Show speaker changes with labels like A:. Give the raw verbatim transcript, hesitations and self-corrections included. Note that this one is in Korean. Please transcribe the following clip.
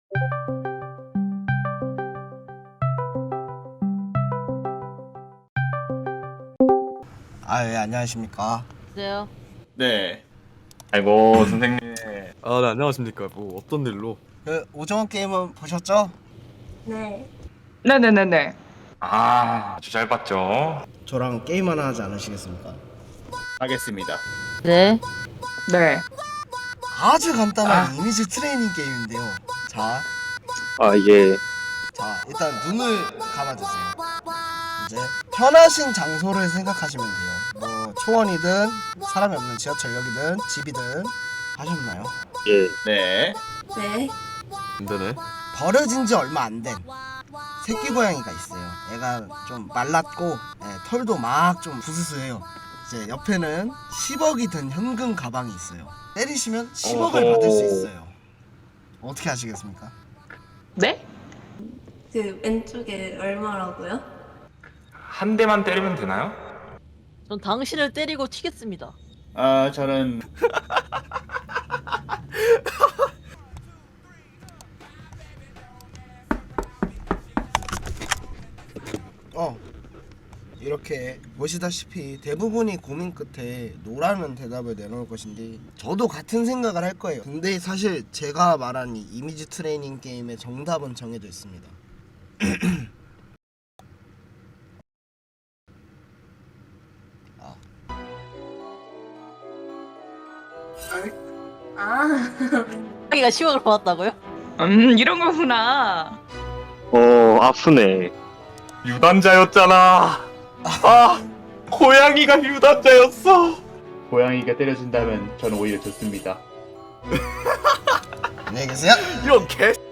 A: 아, 예, 안녕하십니까.
B: 안녕하세요.
C: 네. 아이고 선생님.
D: 아, 네, 안녕하십니까. 뭐 어떤 일로?
A: 그 오징어 게임은 보셨죠?
E: 네.
F: 네네네네.
C: 아 아주 잘 봤죠.
A: 저랑 게임 하나 하지 않으시겠습니까?
C: 하겠습니다.
B: 네.
F: 네.
A: 아주 간단한 이미지 트레이닝 게임인데요. 자,
G: 아, 이게
A: 자 일단 눈을 감아주세요. 이제 편하신 장소를 생각하시면 돼요. 뭐 초원이든 사람이 없는 지하철역이든 집이든 하셨나요?
G: 예,
C: 네.
E: 네.
D: 안 되네.
A: 버려진 지 얼마 안 된 새끼 고양이가 있어요. 애가 좀 말랐고 예, 털도 막 좀 부스스해요. 이제 옆에는 십억이 든 현금 가방이 있어요. 때리시면 십억을
C: 어허.
A: 받을 수 있어요. 어떻게 하시겠습니까?
F: 네?
E: 그 왼쪽에 얼마라고요?
C: 한 대만 때리면 되나요?
B: 전 당신을 때리고 튀겠습니다.
C: 아 저는
A: 어 이렇게 보시다시피 대부분이 고민 끝에 노라는 대답을 내놓을 것인데 저도 같은 생각을 할 거예요. 근데 사실 제가 말한 이 이미지 트레이닝 게임의 정답은 정해져 있습니다.
E: 아.
B: 자기가 십억을 받았다고요?
F: 음, 이런 거구나.
G: 어, 아프네.
C: 유단자였잖아. 아 고양이가 유단자였어.
H: 고양이가 때려준다면 저는 오히려 좋습니다.
A: 안녕히 계세요.
D: 이런 개